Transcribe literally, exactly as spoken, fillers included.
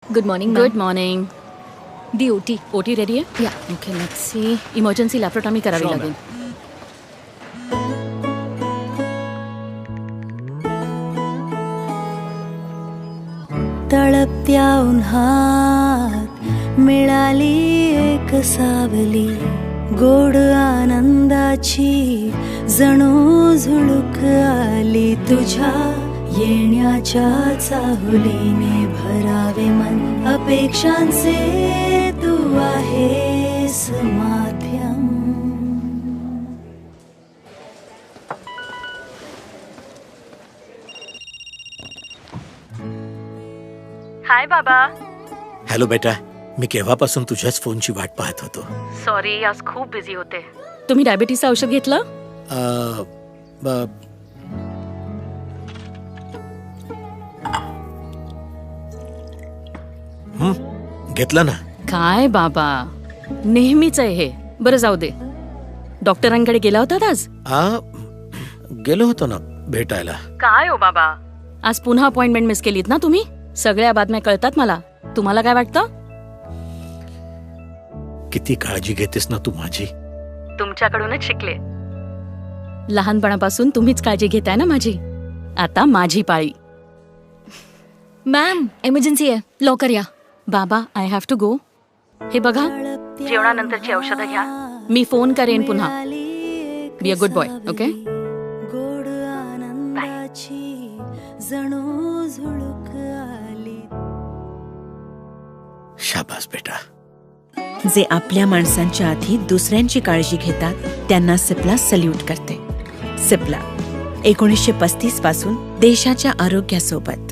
Good morning. Good morning. दी OT. OT ready आहे? या. Okay, let's see. Emergency laparotomy करावी Sure, लागेल. तळपत्या उन्हात मिळाली एक सावली, गोड आनंदाची जणू झुळूक आली. तुझ्या येण्याच्या चाहुलीने भरावे मन, अपेक्षांचे तू आहेस माध्यम. हाय बाबा. हॅलो बेटा, मी केव्हापासून तुझ्याच फोनची वाट पाहत होतो. सॉरी, आज खूप बिझी होते. तुम्ही डायबिटीसचं औषध घेतलं? अ, ब- हं, घेतलं ना. काय बाबा, नेहमीच आहे हे. बरं जाऊ दे. डॉक्टरांकडे गेला होता आज? आ, गेलो होतो ना भेटायला. काय हो बाबा, आज पुन्हा अपॉइंटमेंट मिस केलीत ना तुम्ही? सगळ्या बातम्या कळतात मला. तुम्हाला काय वाटतं? किती काळजी घेतेस ना तू माझी. तुमच्याकडूनच शिकले. लहानपणापासून तुम्हीच काळजी घेताय ना माझी. आता माझी पाळी. मॅम, इमर्जन्सी आहे, लवकर या. बाबा, आय हॅव टू गो. हे बघा, जेवणानंतरची औषधं घ्या. मी फोन करेन पुन्हा. Be a good boy, okay? गोड आनंदाची जणू झुळूक आली. शाबास बेटा. जे आपल्या माणसांच्या आधी दुसऱ्यांची काळजी घेतात त्यांना सिप्ला सल्यूट करते. सिप्ला एकोणीसशे पस्तीस पासून देशाच्या आरोग्यासोबत.